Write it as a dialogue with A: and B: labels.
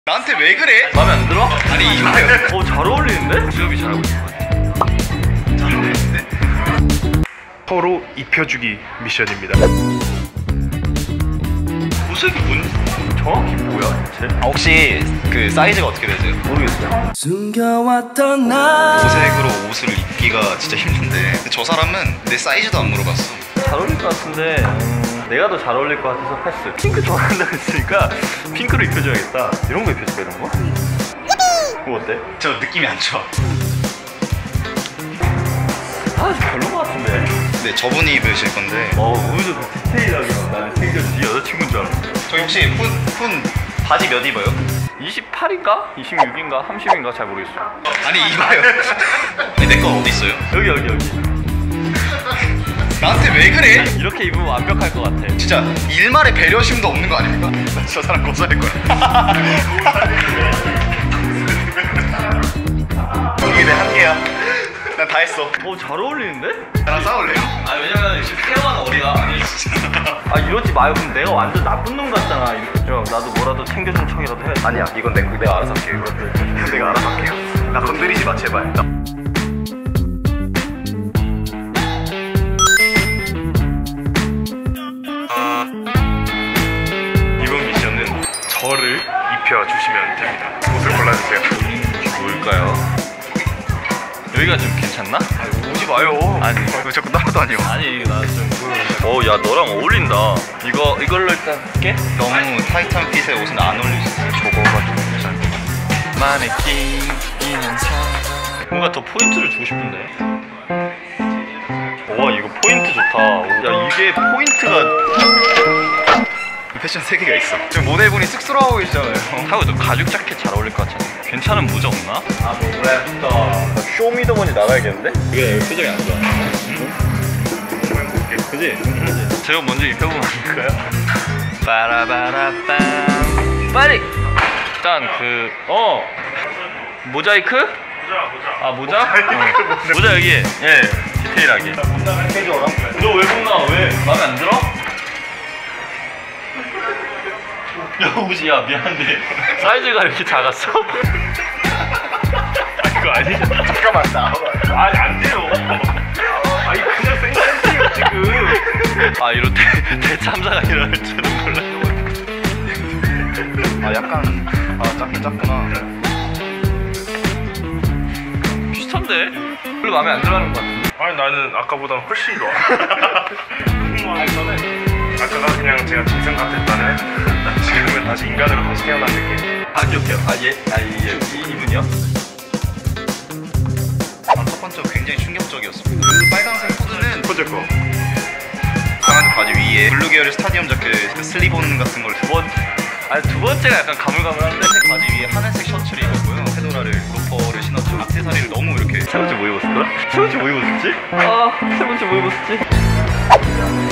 A: 나한테 왜 그래?
B: 마음에 안 들어?
A: 아니 이봐요.
B: 잘 어울리는데? 수염이 잘하고 있는 것 같아.
A: 잘 어울리는데?
C: 서로 입혀주기 미션입니다.
A: 옷색이 뭔?
B: 정확히 뭐야 대체?
A: 혹시 그 사이즈가 어떻게 되세요?
B: 모르겠어요.
D: 숨겨왔던 나
A: 옷색으로 옷을 입기가 진짜 힘든데 근데 저 사람은 내 사이즈도 안 물어봤어.
B: 잘 어울릴 것 같은데 내가 더 잘 어울릴 것 같아서 패스. 핑크 좋아한다고 했으니까 핑크로 입혀줘야겠다. 이런 거 입혀줄까 이런 거? 그거 어때?
A: 저 느낌이 안 좋아.
B: 아 별로 것 같은데.
A: 네 저분이 입으실 건데
B: 오히려 더 디테일하게 나는 챙겨주지 여자친구인 줄 알았어.
A: 저기 혹시 푼 바지 몇 입어요?
B: 28인가? 26인가? 30인가? 잘 모르겠어.
A: 아니 이봐요. 아니 내 건 어디 있어요?
B: 여기
A: 나한테 왜 그래?
B: 이렇게 입으면 완벽할 것 같아.
A: 진짜 일말의 배려심도 없는 거 아닙니까? 나 저 사람 고소할 거야. 이게 내 한계야. 난 다 했어.
B: 잘 어울리는데?
A: 나랑 싸울래요?
B: 왜냐면 지금 태영아는 어디가? 이러지 마요. 그럼 내가 완전 나쁜 놈 같잖아. 형 나도 뭐라도 챙겨준 척이라도 해.
A: 아니야 이건 내가 알아서 할게. 이건 내가 알아서 할게요. 나 건드리지 마 제발.
C: 이번 미션은 저를 입혀주시면 됩니다. 옷을 골라주세요.
B: 뭘까요? 여기가 좀 괜찮나?
A: 오지 마요.
B: 아니
A: 왜 자꾸 따라다녀?
B: 아니 나 좀 야 너랑 어울린다. 이걸로 일단 할게.
A: 너무 타이트한 핏의 옷은 안 어울리시죠? 저거가 좀 괜찮아.
B: 마네킹 뭔가 더 포인트를 주고 싶은데. 와 이거 포인트 좋다. 야 이게 포인트가
A: 패션 세계가 있어. 지금 모델분이 쑥스러워하고 계시잖아요.
B: 하고 너 가죽 자켓 잘 어울릴 것 같잖아. 괜찮은 모자 없나? 그래 좋다. 쇼미더머니 나가야겠는데? 왜 표정이 안 좋아? 그지? 제가 먼저 입혀보면 안 될까요? 빠라바라빰 빨리! 일단 모자이크? 모자? 모자 여기. 예 디테일하게. 해줘라. 너 왜 못 나와? 왜? 마음에 안 들어? 야 옷이 미안한데 사이즈가 이렇게 작았어?
C: 그거 아니잖아.
A: 잠깐만 나와봐.
C: 아니 안 돼요. 아니 그냥 생각했어요 지금.
B: 이럴 때 대참사가 일어날 줄은 몰랐어.
A: 약간 작긴 작구나.
B: 비슷한데? 별로 마음에 안 들어가는 것 같은데?
C: 아니 나는 아까보다는 훨씬 좋아. 아까가 그냥 제가 짐승 같았다는 지금은 다시 인간으로 다시 태어난 느낌.
B: 기억해요. 이분이요?
A: 첫 번째 굉장히 충격적이었습니다. 그 빨간색 코드는
C: 첫 번째 거.
A: 강아지 바지 위에 블루 계열의 스타디움 자켓 그 슬리본 같은 걸
B: 두 번째가 약간 가물가물한데
A: 하늘색 바지 위에 하늘색 셔츠를 입었고요. 페도라를 로퍼를 신었죠. 액세서리를 너무 이렇게
B: 세 번째 뭐 입었을까? 세 번째 뭐 입었었지? 세 번째 뭐 입었었지?